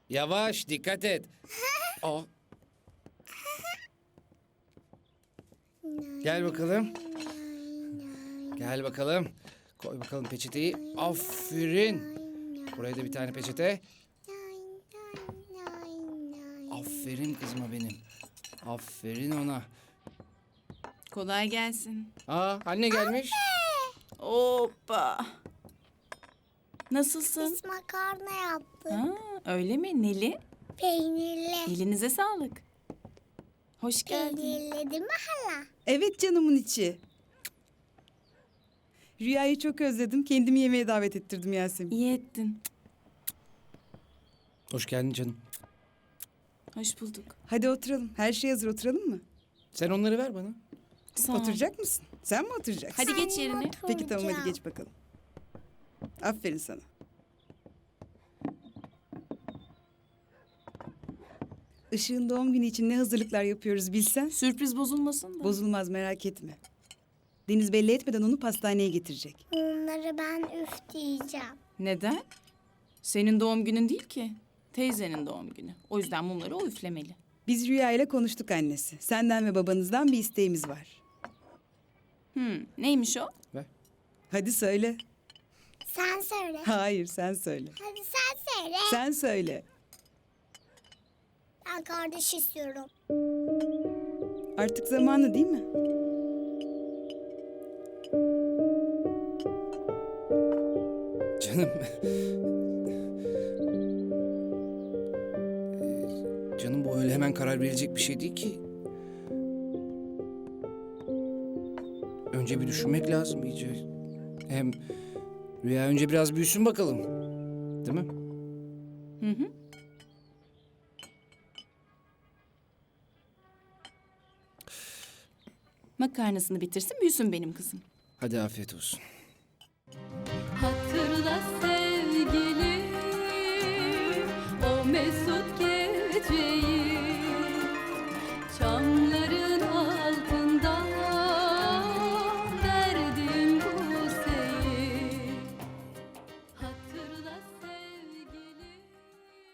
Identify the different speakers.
Speaker 1: Yavaş, dikkat et. Aa. Gel bakalım. Gel bakalım. Koy bakalım peçeteyi. Aferin. Buraya da bir tane peçete. Aferin kızıma benim. Aferin ona.
Speaker 2: Kolay gelsin.
Speaker 1: Aa, anne gelmiş.
Speaker 2: Hoppa. Nasılsın?
Speaker 3: Biz makarna yaptık.
Speaker 2: Ha, öyle mi? Neli?
Speaker 3: Peynirli.
Speaker 2: Elinize sağlık. Hoş geldin.
Speaker 3: Peynirli değil mi hala?
Speaker 4: Evet canımın içi. Rüyayı çok özledim. Kendimi yemeğe davet ettirdim Yasemin.
Speaker 2: İyi ettin.
Speaker 1: Hoş geldin canım.
Speaker 2: Hoş bulduk.
Speaker 4: Hadi oturalım. Her şey hazır, oturalım mı?
Speaker 1: Sen onları ver bana.
Speaker 2: Sağ ol.
Speaker 4: Oturacak mısın? Sen mi oturacaksın?
Speaker 2: Hadi geç yerine.
Speaker 4: Peki tamam, hadi geç bakalım. Aferin sana. Işığın doğum günü için ne hazırlıklar yapıyoruz bilsen.
Speaker 2: Sürpriz bozulmasın da.
Speaker 4: Bozulmaz, merak etme. Deniz belli etmeden onu pastaneye getirecek.
Speaker 3: Onları ben üf diyeceğim.
Speaker 2: Neden? Senin doğum günün değil ki. Teyzenin doğum günü. O yüzden mumları o üflemeli.
Speaker 4: Biz Rüya ile konuştuk annesi. Senden ve babanızdan bir isteğimiz var.
Speaker 2: Neymiş o?
Speaker 1: Ver.
Speaker 4: Hadi söyle.
Speaker 3: Sen söyle.
Speaker 4: Hayır, sen söyle.
Speaker 3: Hadi sen söyle.
Speaker 4: Sen söyle.
Speaker 3: Ben kardeş istiyorum.
Speaker 4: Artık zamanı değil mi?
Speaker 1: Canım. Canım bu öyle hemen karar verilecek bir şey değil ki. Önce bir düşünmek lazım iyice. Hem Rüya önce biraz büyüsün bakalım. Değil mi?
Speaker 2: Hı hı. Makarnasını bitirsin, büyüsün benim kızım.
Speaker 1: Hadi afiyet olsun.
Speaker 5: Hatırla sevgilim, o mezar